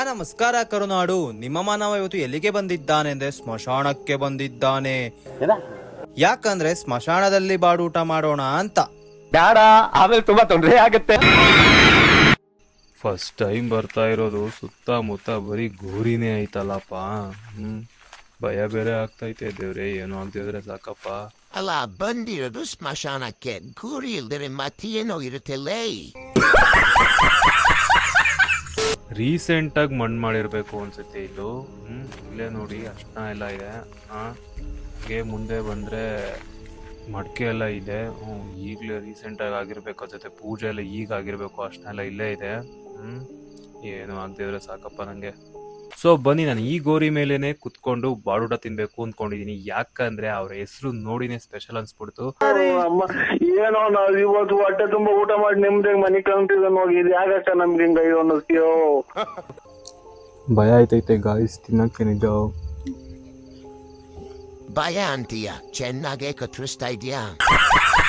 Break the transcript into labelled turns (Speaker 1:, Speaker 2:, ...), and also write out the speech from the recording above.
Speaker 1: ನಮಸ್ಕಾರ ಕರುನಾಡು. ನಿಮ್ಮ ಮಾನವ ಇವತ್ತು ಎಲ್ಲಿಗೆ ಬಂದಿದ್ದಾನೆ ಅಂದ್ರೆ ಸ್ಮಶಾನಕ್ಕೆ ಬಂದಿದ್ದಾನೆ. ಯಾಕಂದ್ರೆ ಸ್ಮಶಾನದಲ್ಲಿ ಬಾಡೂಟ ಮಾಡೋಣ ಅಂತ.
Speaker 2: ಬೇಡ, ಆಮೇಲೆ ತುಂಬಾ ತೊಂದರೆ ಆಗುತ್ತೆ.
Speaker 3: ಫಸ್ಟ್ ಟೈಮ್ ಬರ್ತಾ ಇರೋದು, ಸುತ್ತಮುತ್ತ ಬರೀ ಗೋರಿನೇ ಐತಲ್ಲಪ್ಪ. ಭಯ ಬೇರೆ ಆಗ್ತೈತೆ. ದೇವ್ರೆ, ಏನೋ ಆಗ್ತಿದ್ರೆ ಸಾಕಪ್ಪ.
Speaker 4: ಅಲ್ಲ, ಬಂದಿರೋದು ಸ್ಮಶಾನಕ್ಕೆ, ಗುರಿ ಇಲ್ದರೆ ಮತ್ತೇನೋ ಇರುತ್ತಲ್ಲೇ.
Speaker 3: ರೀಸೆಂಟ್ ಆಗಿ ಮಣ್ಣು ಮಾಡಿರ್ಬೇಕು ಅನ್ಸುತ್ತೆ ಇದು. ಇಲ್ಲೇ ನೋಡಿ ಅರ್ಶನ ಎಲ್ಲ ಇದೆ. ಹಾಗೆ ಮುಂದೆ ಬಂದ್ರೆ ಮಡಕೆ ಎಲ್ಲ ಇದೆ. ಈಗಲೇ ರೀಸೆಂಟ್ ಆಗಿ ಆಗಿರ್ಬೇಕು ಅನ್ಸುತ್ತೆ. ಪೂಜೆ ಎಲ್ಲ ಈಗ ಆಗಿರ್ಬೇಕು. ಅರ್ಶನ ಎಲ್ಲ ಇಲ್ಲೇ ಇದೆ. ಏನು ಆಗ್ತಿದ್ರೆ ಸಾಕಪ್ಪ ನಂಗೆ. ಸೊ ಬನ್ನಿ, ನಾನು ಈ ಗೋರಿ ಮೇಲೇನೆ ಕುತ್ಕೊಂಡು ಬಾಡೂಟ ತಿನ್ಬೇಕು ಅಂದ್ಕೊಂಡಿದೀನಿ. ಯಾಕಂದ್ರೆ ಅವ್ರ ಹೆಸರು ನೋಡಿನೇ ಸ್ಪೆಷಲ್ ಅನ್ಸ್ಬಿಡ್ತು.
Speaker 5: ಏನೋ ನಾವ್ ಇವತ್ತು ಹೊಟ್ಟೆ ತುಂಬಾ ಊಟ ಮಾಡಿ ನಿಮ್ದೇ ಮನೆ ಕಂತಿದ ಹೋಗಿ ಯಾಕಕ್ಕ ನಮ್ಗೆ ಹಿಂಗ ಅನ್ನಿಸ್ತೀಯೋ.
Speaker 3: ಭಯ ಆಯ್ತೈತೆ ಗಾಯ್ಸ್ ತಿನ್ನಕ್ಕೆ. ನಿಜ
Speaker 4: ಭಯ ಅಂತೀಯ, ಚೆನ್ನಾಗೇ ಕತ್ತರಿಸ್ತಾ ಇದೆಯಾ?